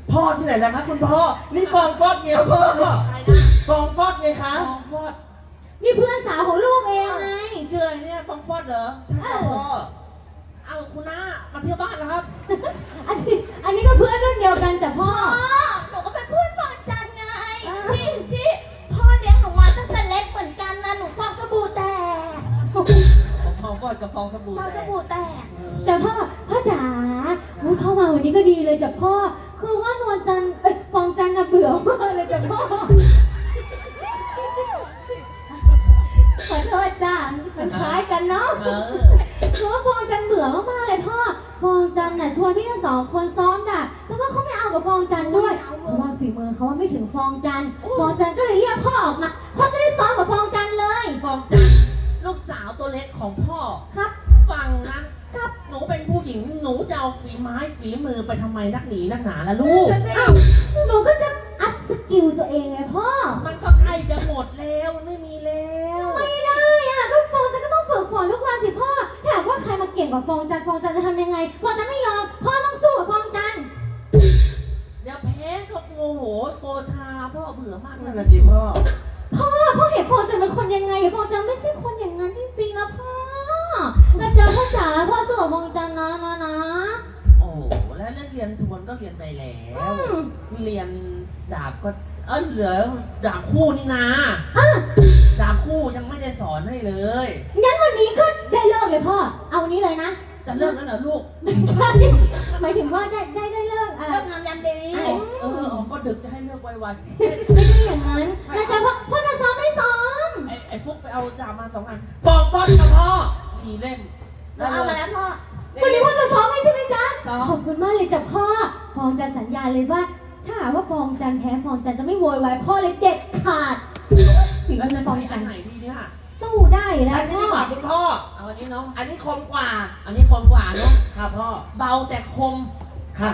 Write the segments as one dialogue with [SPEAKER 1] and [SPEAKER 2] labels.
[SPEAKER 1] พ่อที่ไหนนะคะคุณพ่อนี่ฟองฟอดไงพ่อฟองฟอดไงคะ
[SPEAKER 2] ฟองฟอด
[SPEAKER 3] นี่เพื่อนสาวของลูกเองไง
[SPEAKER 2] เชื่อเนี่ยฟองฟอดเหรอ
[SPEAKER 1] ใช่พ่อ
[SPEAKER 2] เอาคุณน้ามาเที่ยวบ้านแล้วครับ
[SPEAKER 3] อันนี้ก็เพื่อนรุ่นเดียวกันจ้ะพ่อ
[SPEAKER 4] หนูก็เป็นเพื่อนฟองจันไงที่พ่อเลี้ยงหนูมาตั้งแต่เล็กเหมือนกันนะหนูฟองสบู่แตก
[SPEAKER 2] ฟองฟอดกับฟองสบู่
[SPEAKER 4] ฟอง
[SPEAKER 2] แต
[SPEAKER 4] ส
[SPEAKER 2] ก
[SPEAKER 4] บู่แตก
[SPEAKER 3] จ้ะพ่อจ๋าอุ๊ยพ่อมาวันนี้ก็ดีเลยจ้ะพ่อ คือว่านวลจันทร์ฟองจันทร์น่ะเบื่อมากเลยจ้ะพ่อ ขอโทษจ้ะมันคล้ายกันเนาะ คือว่าฟองจันทร์เบื่อมากๆเลยพ่อ ฟองจันทร์น่ะชวนพี่ทั้งสองคนซ้อมด่ะแต่ว่าเขาไม่เอากับฟองจันทร์ด้วย เพราะว่าฝีมือเขาว่าไม่ถึงฟองจันทร์ฟองจันทร์ก็เลยเรียกพ่อออกมาพ่อจะได้ซ้อมกับฟองจันทร์เลย
[SPEAKER 2] ฟองจันลูกสาวตัวเล็กของพ่อ
[SPEAKER 3] ครับ
[SPEAKER 2] ฟังนะครับหนูเป็นผู้หญิงหนูจะเอาฝีไม้ฝีมือไปทำไมนักหนีนักหนาล่ะลูก
[SPEAKER 3] อ้าวหนูก็จะอัพสกิลตัวเองไงพ่อ
[SPEAKER 2] มันก็ใกล้จะหมดแล้วมันไม่มีแล้ว
[SPEAKER 3] ไม่ได้อะก็ฟองจันทร์ก็ต้องฝึกฝนทุกวันสิพ่อ ถ้าหากว่าใครมาเก่งกว่าฟองจันทร์ฟองจันทร์จะทำยังไง ฟองจันทร์ไม่ยอม พ่อต้องสู้กับฟองจันทร์
[SPEAKER 2] เดี๋ยวแพ้ก็โมโหโกธาพ่อเบื่อมาก
[SPEAKER 1] นั่น
[SPEAKER 2] เล
[SPEAKER 1] แหละ
[SPEAKER 2] ย
[SPEAKER 1] สิพ่อ
[SPEAKER 3] พ่อเห็นฟองจันทร์เป็นคนยังไงฟองจันทร์ไม่ใช่คนอย่างนั้นจริงๆนะพ่อนะจ๊ะพ่อจ๋าพ่อสู้กับฟองจันทร์นะ
[SPEAKER 2] โอ้แล้วเรียนทวนก็เรียนไปแล้วเรียนดาบก็เหลือดาบคู่นี่นะดาบคู่ยังไม่ได้สอนให้เลย
[SPEAKER 3] งั้นวันนี้ก็ได้เลิกเลยพ่อ เอาวันนี้เลยนะ
[SPEAKER 2] จะเลิกแล้วเหรอลูก
[SPEAKER 3] ไม่ใช่หมายถึงว่าได้เลิก
[SPEAKER 4] เลิกงามยามดี
[SPEAKER 2] ก็ดึกจะให้เลิกไว
[SPEAKER 3] ไม่ใช่อย่างนั้นนะจ๊ะพ่อจะซ้อมไม่ซ้อม
[SPEAKER 2] ๆไอ้ฟุกไปเอาดาบมา2 อัน
[SPEAKER 1] ฟองฟอดกับพ่อ
[SPEAKER 2] 4 เล่ม
[SPEAKER 4] เราเอามาแล้วพ่อ
[SPEAKER 3] วันนี้พ่อจะซ้อมไม่ใช่ไหมจ๊ะ
[SPEAKER 2] ซ้อม
[SPEAKER 3] ขอบคุณมากเลยจ้ะพ่อ ฟองจะสัญญาเลยว่า ถ้าหากว่าฟองจันแพ้ฟองจันจะไม่โวยวายพ่อเลยเด็ดขาดสิ่ง
[SPEAKER 2] แล้ว
[SPEAKER 3] ที่
[SPEAKER 2] จะ
[SPEAKER 3] ฟอง
[SPEAKER 2] ใช้
[SPEAKER 3] จั
[SPEAKER 2] อั
[SPEAKER 3] น
[SPEAKER 2] นไหนดีเนี่ย
[SPEAKER 3] สู้ได้อยู่แล้
[SPEAKER 1] อั
[SPEAKER 3] วน
[SPEAKER 1] นี้
[SPEAKER 3] พ่
[SPEAKER 1] ดีกว่า
[SPEAKER 3] อ
[SPEAKER 1] คุณพ่อ
[SPEAKER 2] เอาอันนี้เนาะ
[SPEAKER 1] อันนี้คมกว่า
[SPEAKER 2] อันนี้คมกว่าเนาะ
[SPEAKER 1] ค่ะพ่อ
[SPEAKER 2] เบาแต่คม
[SPEAKER 1] ค่ะ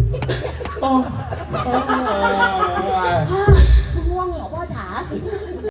[SPEAKER 4] พ่อง่วงเหรอพ่อจ๋า